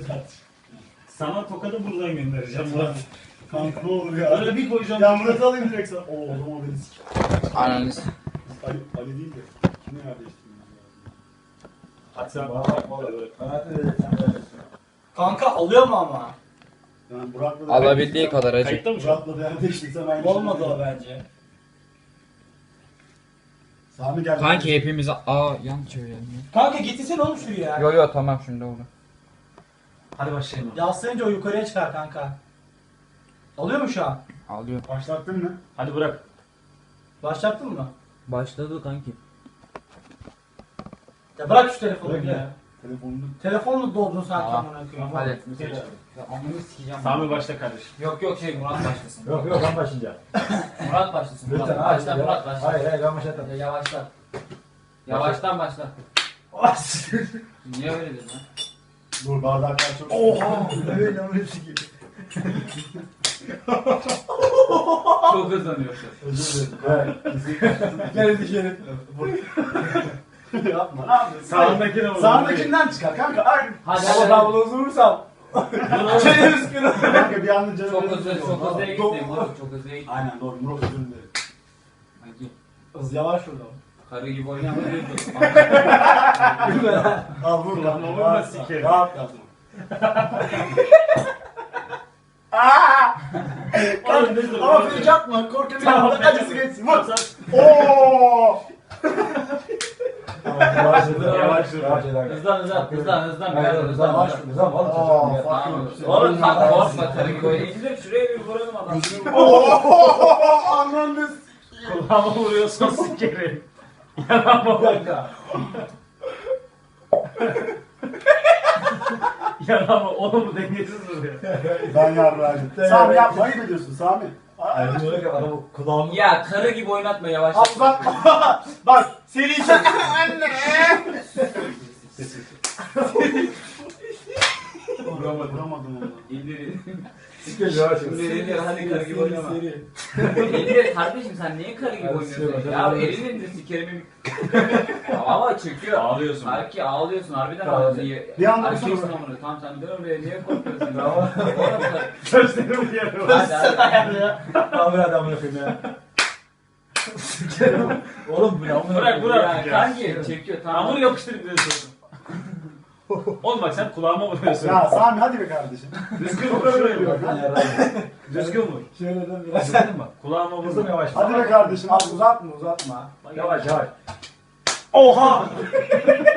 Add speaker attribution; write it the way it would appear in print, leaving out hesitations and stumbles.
Speaker 1: Sana tokadı buradan göndereceğim Murat.
Speaker 2: Kanka ne olur ya.
Speaker 1: Öyle bir koyacağım.
Speaker 2: Ya Murat'ı alayım direkt sana. Oo o zaman beni sik.
Speaker 3: Ananız.
Speaker 2: Ali değil de. Kimi yerleştirmemiz lazım?
Speaker 1: Hadi sen
Speaker 4: Kanka alıyor mu ama?
Speaker 2: Yani Burak'la da
Speaker 3: Alabildiği kadar acı.
Speaker 1: kayıtta mı şu an?
Speaker 2: Burak'la da yerleştirsem aynı
Speaker 4: Olmadı
Speaker 2: şey.
Speaker 4: o bence.
Speaker 2: Sami geldi.
Speaker 3: Kanki hepimiz yan çevirelim.
Speaker 4: Kanka getirsene oğlum şuraya.
Speaker 3: Yo yo tamam şimdi oldu.
Speaker 1: Hadi başlayalım.
Speaker 4: Yaslayınca o yukarıya çıkar kanka. Alıyor mu şu an?
Speaker 3: Alıyor.
Speaker 2: Başlattın mı?
Speaker 1: Hadi bırak.
Speaker 4: Başlattın mı?
Speaker 3: Başladı kanki.
Speaker 4: Ya bırak şu telefonu
Speaker 2: Bırak
Speaker 4: ya.
Speaker 2: ya. Telefonunu.
Speaker 4: Telefonla doldun sanki
Speaker 3: Tamam.
Speaker 4: amına koyayım.
Speaker 3: Hadi.
Speaker 1: Geç.
Speaker 3: Amını sikeceğim.
Speaker 1: Sami başla kardeşim.
Speaker 3: Yok yok Murat başlasın.
Speaker 5: Yok yok ben başlayacağım.
Speaker 3: Murat başlasın.
Speaker 5: Lütfen
Speaker 3: Başla
Speaker 5: hayır.
Speaker 3: Murat başla.
Speaker 5: Hayır hayır ben başladım.
Speaker 3: Yavaşla. Yavaştan başla. Niye öyle dedin lan?
Speaker 2: Dur bardaklar çok.
Speaker 4: Oha!
Speaker 2: Evet yanlış sikeyim.
Speaker 3: Çok hızlanıyorsun.
Speaker 2: Özür dilerim. Evet.
Speaker 4: Gel dışarı.
Speaker 2: Yapma. Ne yapıyorsun?
Speaker 1: Sağındakine vur.
Speaker 2: Sağındakinden çıkar kanka. Ay.
Speaker 3: Hadi
Speaker 4: Ama
Speaker 3: hadi.
Speaker 4: ben bunu vurursam. Çenemiz kırılır.
Speaker 2: Kanka bir anda canım.
Speaker 3: Çok hızlı gittim. Murat çok hızlı gittim.
Speaker 2: Aynen doğru. Murat özür dilerim.
Speaker 3: Kanki.
Speaker 4: Hız yavaş vur
Speaker 3: Karı gibi oynama.
Speaker 2: Al vur lan.
Speaker 1: Ama vurma sikerim.
Speaker 2: Rahat yap.
Speaker 1: Oğlum ne dur.
Speaker 2: Ama fake atma. Korkuyorum. Acısı geçsin. Vur.
Speaker 1: Oo.
Speaker 2: Ooo.
Speaker 5: Yavaş
Speaker 1: Yavaş dur.
Speaker 3: Hızlan.
Speaker 5: Hayır hızlan
Speaker 2: Aa,
Speaker 5: oğlum.
Speaker 3: Tamam. Oğlum sen korkma karı gibi oynayın. İndir şuraya bir vuralım adam.
Speaker 2: Ooo. Anladın.
Speaker 1: Kulağıma vuruyorsan sikerim. Yanağıma bak. Yanağıma oğlum dengesiz vuruyor.
Speaker 2: Ben yarrağım. Sami yapma. Ayıp ediyorsun Sami.
Speaker 5: Aynen öyle adamı kulağımı.
Speaker 3: Ya karı gibi oynatma yavaş.
Speaker 2: Al bak. Bak. Seri çek. Anne. Vuramadım onu.
Speaker 3: İndir.
Speaker 5: Yavaş
Speaker 3: İndir hadi karı gibi oynama. İndir kardeşim sen niye karı gibi
Speaker 5: Hadi
Speaker 3: oynuyorsun?
Speaker 5: sikerim,
Speaker 3: Ya
Speaker 5: hadi.
Speaker 3: elini indir sikerimi. Ama çekiyor.
Speaker 1: Ağlıyorsun.
Speaker 3: Belki ağlıyorsun harbiden
Speaker 5: Tamam.
Speaker 3: ağlıyorsun.
Speaker 2: Bir anda
Speaker 3: Erkeksin
Speaker 2: sonra-
Speaker 3: amına. Tamam sen dön oraya niye korkuyorsun?
Speaker 5: Tamam.
Speaker 3: Oğlum karı.
Speaker 1: Gözlerimi yarıyorum.
Speaker 3: Hadi.
Speaker 5: Tamam hadi amına koyayım ya. Sikerim. Oğlum bu ne amına
Speaker 1: Bırak
Speaker 5: koyayım.
Speaker 1: bırak.
Speaker 3: Ya kanki çekiyor tamam.
Speaker 1: Hamur yapıştırıp diyorsun. Oğlum bak sen kulağıma vuruyorsun.
Speaker 2: Ya Sami hadi be kardeşim.
Speaker 1: Düzgün vur şöyle bak.
Speaker 5: Ben yarrağım.
Speaker 1: Düzgün vur.
Speaker 5: Şöyle de biraz sen bak.
Speaker 1: Kulağıma
Speaker 5: Hızlı
Speaker 1: vur.
Speaker 5: yavaş.
Speaker 2: Hadi be kardeşim.
Speaker 4: Al uzatma.
Speaker 5: Yavaş yavaş.
Speaker 1: Oha!